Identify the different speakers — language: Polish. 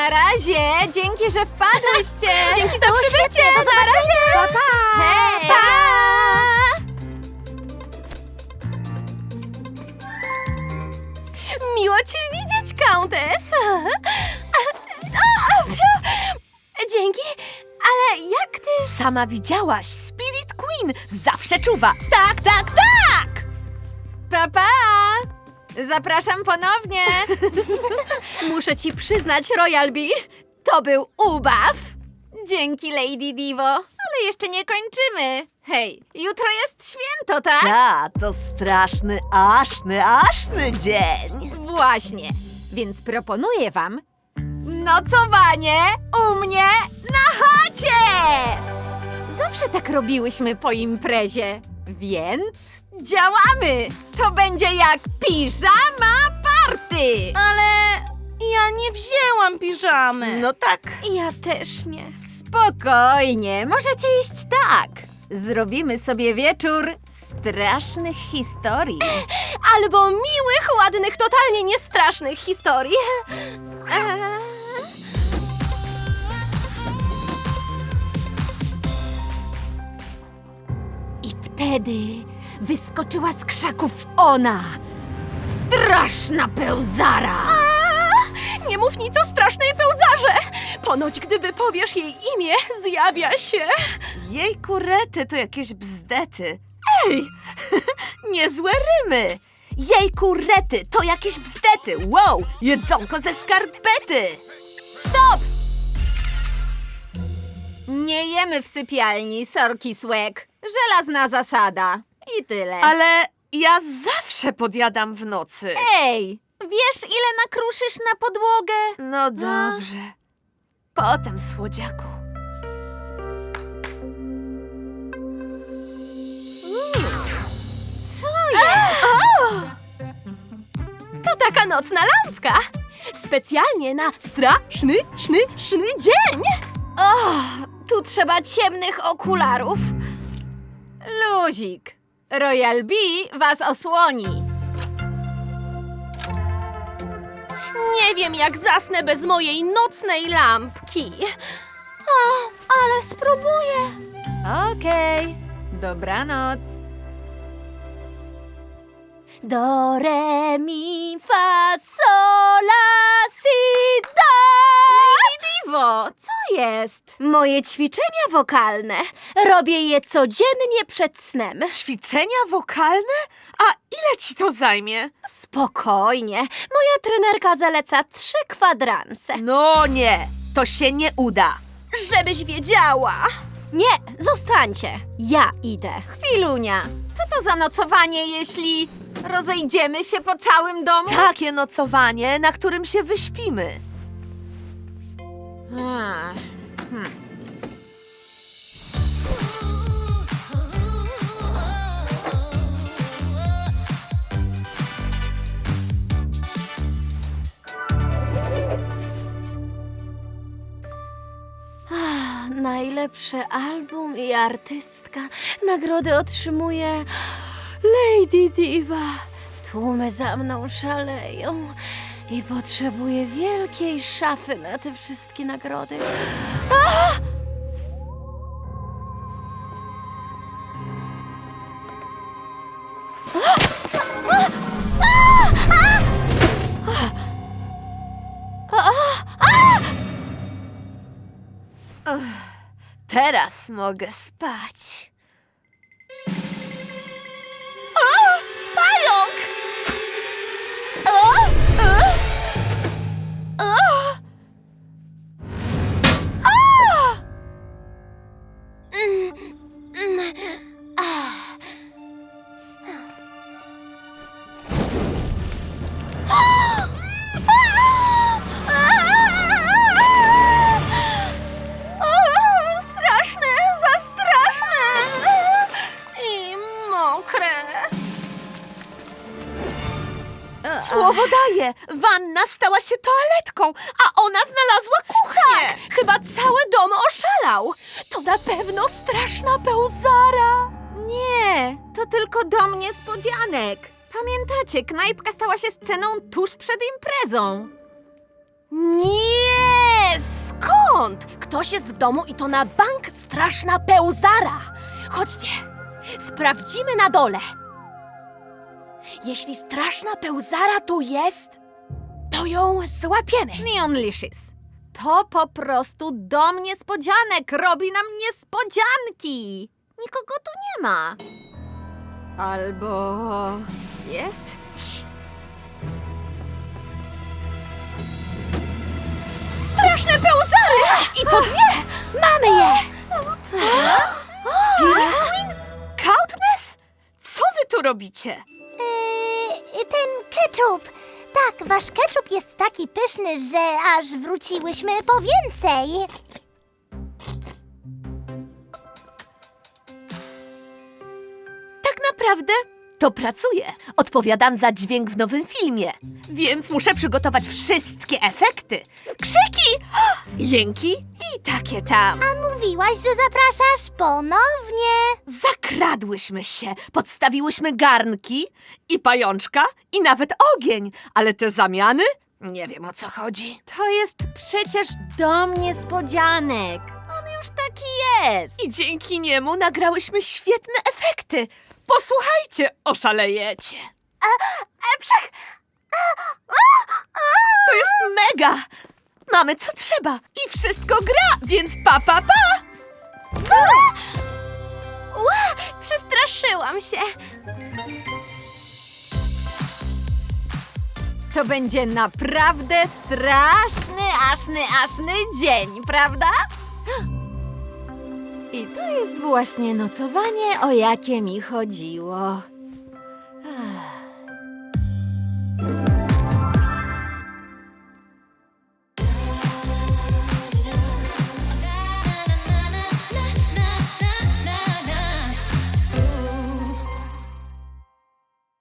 Speaker 1: Na razie! Dzięki, że wpadłyście!
Speaker 2: Dzięki za przybycie! Do zobaczenia!
Speaker 1: Pa, pa! Hej!
Speaker 2: Miło cię widzieć, Countess! Dzięki, ale jak ty...
Speaker 3: Sama widziałaś, Spirit Queen zawsze czuwa. Tak, tak, tak!
Speaker 1: Pa, pa! Zapraszam ponownie!
Speaker 2: Muszę ci przyznać, Royal Bee, to był ubaw!
Speaker 1: Dzięki, Lady Divo, ale jeszcze nie kończymy. Hej, jutro jest święto, tak?
Speaker 3: Ta, to straszny, aszny dzień.
Speaker 1: Właśnie, więc proponuję wam nocowanie u mnie na chacie! Zawsze tak robiłyśmy po imprezie, więc działamy! To będzie jak piżama party!
Speaker 2: Ale ja nie wzięłam piżamy.
Speaker 3: No tak.
Speaker 2: Ja też nie.
Speaker 1: Spokojnie, możecie iść tak. Zrobimy sobie wieczór strasznych historii.
Speaker 2: Albo miłych, ładnych, totalnie niestrasznych historii.
Speaker 1: I wtedy wyskoczyła z krzaków ona, straszna pełzara.
Speaker 2: Nie mów nic o strasznej pełzarze! Ponoć, gdy wypowiesz jej imię, zjawia się.
Speaker 3: Jej kurety to jakieś bzdety. Ej, niezłe rymy. Jej kurety to jakieś bzdety. Wow, jedzonko ze skarpety.
Speaker 1: Stop! Nie jemy w sypialni, sorki słek. Żelazna zasada. I tyle.
Speaker 3: Ale ja zawsze podjadam w nocy.
Speaker 1: Ej, wiesz ile nakruszysz na podłogę?
Speaker 3: No dobrze. Potem, słodziaku.
Speaker 1: Co jest?
Speaker 2: To taka nocna lampka. Specjalnie na straszny, szny dzień.
Speaker 1: Tu trzeba ciemnych okularów. Luzik. Royal Bee was osłoni.
Speaker 2: Nie wiem, jak zasnę bez mojej nocnej lampki. Ale spróbuję.
Speaker 1: Okej. Dobranoc.
Speaker 2: Do, re, mi, fa, sol, la, si, do.
Speaker 1: Lady Divo, co jest?
Speaker 2: Moje ćwiczenia wokalne. Robię je codziennie przed snem.
Speaker 3: Ćwiczenia wokalne? A ile ci to zajmie?
Speaker 2: Spokojnie. Moja trenerka zaleca 3 kwadranse.
Speaker 3: No nie, to się nie uda.
Speaker 2: Żebyś wiedziała. Nie, zostańcie. Ja idę.
Speaker 1: Chwilunia, co to za nocowanie, jeśli rozejdziemy się po całym domu?
Speaker 3: Takie nocowanie, na którym się wyśpimy.
Speaker 1: Ah,
Speaker 2: Najlepszy album i artystka. Nagrody otrzymuje Lady Diva. Tłumy za mną szaleją i potrzebuję wielkiej szafy na te wszystkie nagrody.
Speaker 3: Teraz mogę spać. Pająk!
Speaker 2: Straszne, za straszne i mokre.
Speaker 3: Słowo daję, wanna stała się toaletką, a ona znalazła kuchnię.
Speaker 2: Chyba cały dom oszalał. To na pewno straszna pełzara.
Speaker 1: nie, to tylko dom niespodzianek. Pamiętacie, knajpka stała się sceną tuż przed imprezą.
Speaker 2: Nie! Nie, skąd? Ktoś jest w domu i to na bank straszna pełzara. Chodźcie, sprawdzimy na dole. Jeśli straszna pełzara tu jest, to ją złapiemy.
Speaker 1: Neonlicious. To po prostu dom niespodzianek. Robi nam niespodzianki. Nikogo tu nie ma. Albo jest?
Speaker 2: Cii. Straszne pełzary! I to dwie! Mamy je!
Speaker 3: Spirit Queen? Countess? Co wy tu robicie?
Speaker 4: Ten ketchup. Tak, wasz ketchup jest taki pyszny, że aż wróciłyśmy po więcej.
Speaker 3: Tak naprawdę to pracuję. Odpowiadam za dźwięk w nowym filmie. Więc muszę przygotować wszystkie efekty. Krzyki, jęki i takie tam.
Speaker 4: A mówiłaś, że zapraszasz ponownie.
Speaker 3: Zakradłyśmy się, podstawiłyśmy garnki i pajączka i nawet ogień. Ale te zamiany? Nie wiem, o co chodzi.
Speaker 1: To jest przecież dom niespodzianek. On już taki jest.
Speaker 3: I dzięki niemu nagrałyśmy świetne efekty. Posłuchajcie, oszalejecie. To jest mega! Mamy co trzeba i wszystko gra, więc pa, pa, pa!
Speaker 2: Przestraszyłam się.
Speaker 1: To będzie naprawdę straszny, aszny dzień, prawda? I to jest właśnie nocowanie, o jakie mi chodziło.